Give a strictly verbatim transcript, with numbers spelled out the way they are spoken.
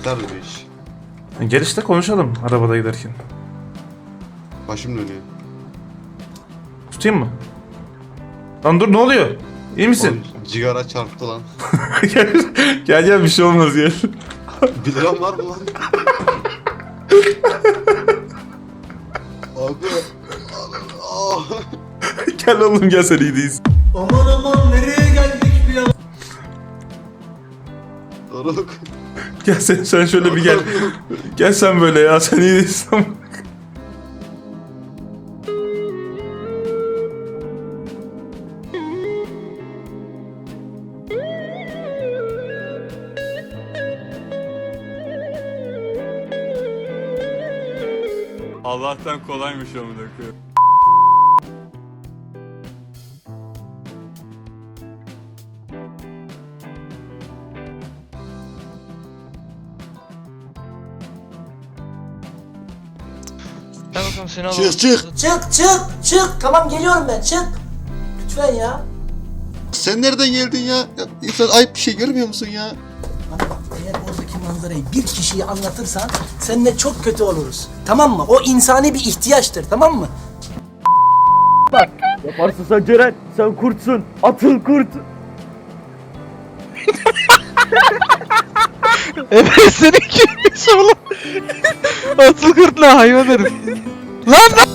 biterdi bu iş. Gel işte konuşalım arabada giderken. Başım dönüyor. Tutayım mı? Lan dur, ne oluyor? İyi misin? Oğlum, cigara çarptı lan. gel, gel gel bir şey olmaz gel. Bir liram var mı lan? Abi. Ah. Gel oğlum gel, sen iyi değilsin. Aman aman nereye geldik bir an? Doruk. Gel sen, sen şöyle bir gel. Gel sen böyle ya, sen iyi değilsin. Allah'tan kolaymış amına koyayım. Gel bakalım seni alalım. Çık çık. Çık çık çık. Tamam geliyorum ben, çık. Lütfen ya. Sen nereden geldin ya? Ya insan ayıp bir şey görmüyor musun ya? Bak bak, eğer oradaki manzarayı bir kişiye anlatırsan seninle çok kötü oluruz. Tamam mı? O insani bir ihtiyaçtır, tamam mı? Yaparsın sen Ceren, sen kurtsun. Atıl kurt. Evet senin kimmiş oğlum? Atıl kurt ne hayvan herif. Lan lan.